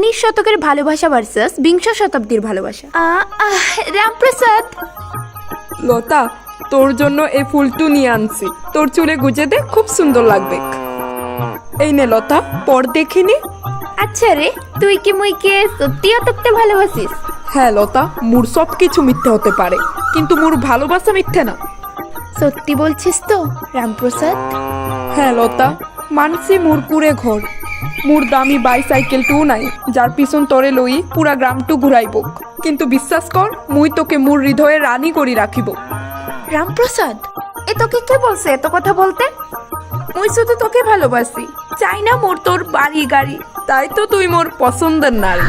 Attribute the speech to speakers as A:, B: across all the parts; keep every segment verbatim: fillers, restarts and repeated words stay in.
A: উনিশ শতকের ভালোবাসা ভার্সাস বিংশ শতাব্দীর ভালোবাসা। রামপ্রসাদ,
B: লতা, তোর জন্য এই ফুলটু নিয়ে আনছি। তোর চুলে গুজে দে, খুব সুন্দর লাগবে। এই নে লতা, পর দেখিনি।
A: আচ্ছা রে, তুই কি মুইকে সত্যি অতপ্তে ভালোবাসিস?
B: হ্যাঁ লতা, মোর সব কিছু মিথ্যে হতে পারে, কিন্তু মোর ভালোবাসা মিথ্যে না।
A: সত্যি বলছিস তো রামপ্রসাদ?
B: হ্যাঁ লতা, মানছি মোর পুরে ঘর, মোর দামি বাইসাইকেলটু নাই যার পিছন তরে লই পুরা গ্রামটু ঘুরাইব, কিন্তু বিশ্বাস কর মুই তোকে মোর হৃদয়ে রানী করি রাখিব।
A: রামপ্রসাদ, এ তোকে কে বলছে এত কথা বলতে?
B: মুই শুধু তোকে ভালোবাসি, চাই না মোর তোর বাড়ি গাড়ি, তাই তো তুই মোর পছন্দের নারী।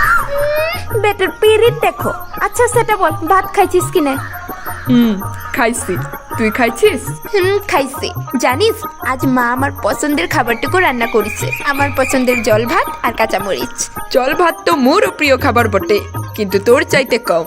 A: বেটার পিরিত দেখো। আচ্ছা সেটা বল, ভাত খাইছিস কিনা?
B: হুম, খাইছি। তুই খাইছিস?
A: হুম, খাইছি। জানিস, আজ মা আমার পছন্দের খাবারটুকু রান্না করেছে, আমার পছন্দের জল ভাত আর কাঁচামরিচ।
B: জল ভাত তো মোরও প্রিয় খাবার বটে, কিন্তু তোর চাইতে কম।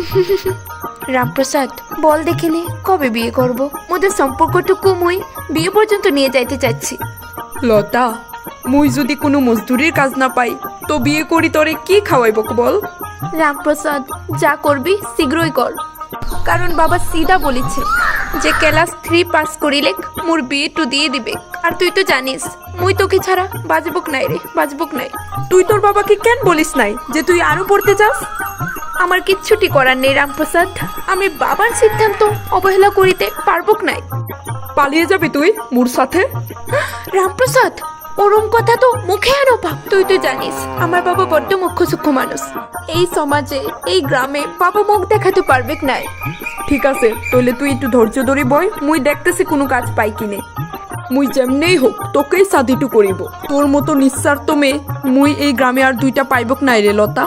A: রামপ্রসাদ, বল দেখিনি কবে বিয়ে করব? মোদের সম্পর্কটুকু মুই বিয়ে পর্যন্ত নিয়ে যাইতে চাচ্ছি।
B: লতা, মুই যদি কোনো মজদুরির কাজ না পাই তো বিয়ে করি তোরে কি খাওয়াইব বল?
A: রামপ্রসাদ, যা করবি শীঘ্রই কর, কারণ বাবা সিধা বলেছে যে ক্লাস থ্রি পাস করিলে মোর বিয়ে টু দিয়ে দিবে। আর তুই তো জানিস মুই তোকে ছাড়া বাজবুক নাই রে, বাজবুক নাই।
B: তুই তোর বাবাকে কেন বলিস নাই যে তুই আরো পড়তে চাস?
A: আমার কিচ্ছুটি করার নেই রামপ্রসাদ, আমি বাবার সিদ্ধান্ত অবহেলা করিতে পারবুক নাই।
B: পালিয়ে যাবি তুই মোর সাথে?
A: রামপ্রসাদ, ওরম কথা তো মুখে আনো পাপ। তুই তো জানিস আমার বাবা বড্ড মুখ্য সূক্ষ্ম মানুষ, এই সমাজে এই গ্রামে বাবা মুখ দেখাতে পারবে নাই।
B: ঠিক আছে, তাহলে তুই একটু ধৈর্য ধরে বই, মুই দেখতেছি কোনো কাজ পাই কিনে। মুই যেমনেই হোক তোকেই সাধিটু করিব। তোর মতো নিঃস্বার্থ মেয়ে মুই এই গ্রামে আর দুইটা পাইবক নাই রে Lata.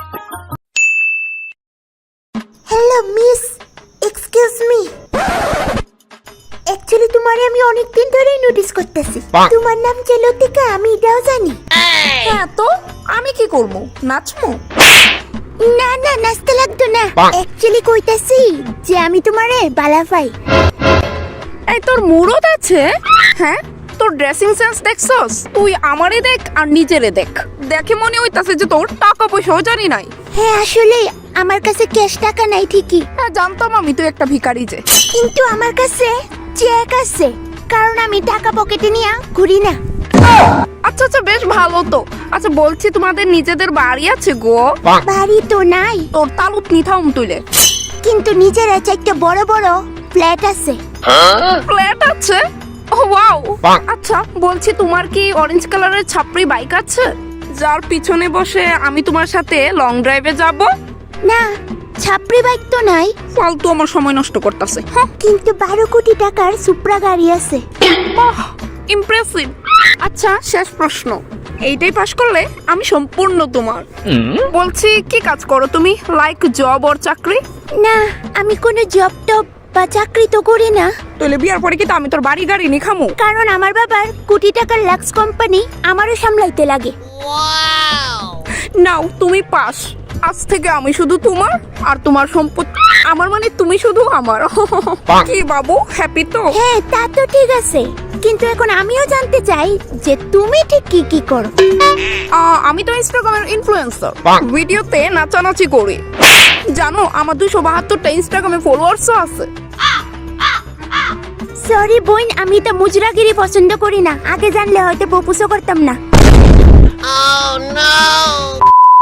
C: Hello miss, excuse me. Actually তোমারে আমি অনেক দিন ধরেই নোটিস করতেছি। তোমার নাম যে লতিকা, আমি এটাও জানি।
B: হ্যাঁ, তো আমি কি করব? নাচমু?
C: না না, নাচতে লাগতো না। অ্যাকচুয়ালি কইতাছি যে আমি তোমারে বালাফাই।
B: এই তোর মুরত আছে? হ্যাঁ, তোর ড্রেসিং সেন্স দেখছস? তুই আমারে দেখ আর নিজেরে দেখ, দেখে মনে হইতাছে যে তোর টাকা পয়সাও জানি নাই।
C: হ্যাঁ, আসলে আমার কাছে ক্যাশ টাকা নাই ঠিকই,
B: হ্যাঁ জানতাম আমি তুই একটা ভিখারি যে।
C: কিন্তু আমার কাছে চেক আছে, কারণ আমি টাকা পকেটে নিয়ে ঘুরি না।
B: আচ্ছা আচ্ছা, বেশ ভালো তো। আচ্ছা বলছি, তোমাদের নিজেদের বাড়ি আছে গো?
C: বাড়ি তো নাই,
B: তোর তালুত নিথাম তুইলে,
C: কিন্তু নিজের আছে একটা বড় বড় ফ্ল্যাট আছে।
B: ফ্ল্যাট আছে? ও ওয়াও। আচ্ছা বলছি, তোমার কি অরেঞ্জ কালারের ছাপড়ি বাইক আছে যার পিছনে বসে আমি তোমার সাথে লং ড্রাইভে যাব?
C: না, ছাপড়ি বাইক তো নাই,
B: ফালতু আমার সময় নষ্ট করতেছে। হ্যাঁ,
C: কিন্তু বারো কোটি টাকার সুপ্রা গাড়ি আছে।
B: বাহ, ইমপ্রেসিভ। আচ্ছা শেষ প্রশ্ন, এইটাই পাশ করলে আমি সম্পূর্ণ তোমার। বলছি, কি কাজ করো তুমি? লাইক জব ওর চাকরি?
C: না, আমি কোনো জব টব বা চাকরি তো করি না,
B: তাহলে বিয়ার পরে কি তো আমি তোর বাড়ি গাড়ি নি খামু?
C: কারণ আমার বাবার কোটি টাকার লাক্স কোম্পানি আমারও সামলাইতে লাগে।
B: নাও তুমি পাস। আজ থেকে আমি শুধু তোমার, আর তোমার সম্পত্তি আমার, মানে তুমি শুধু আমার। কি বাবু, হ্যাপি তো?
C: হ্যাঁ, তা তো ঠিক আছে, কিন্তু এখন আমিও জানতে চাই যে তুমি ঠিক কি কি করো।
B: আহ, আমি তো ইনস্টাগ্রামের ইনফ্লুয়েন্সার, ভিডিওতে নাচানাচি করি। জানো আমার দুশো বাহাত্তরটা ইনস্টাগ্রামে ফলোয়ার্সও আছে।
C: সরি বোন, আমি তো মুজরাগিরি পছন্দ করি না, আগে জানলে হয়তো প্রপোজও করতাম না।
D: Oh no!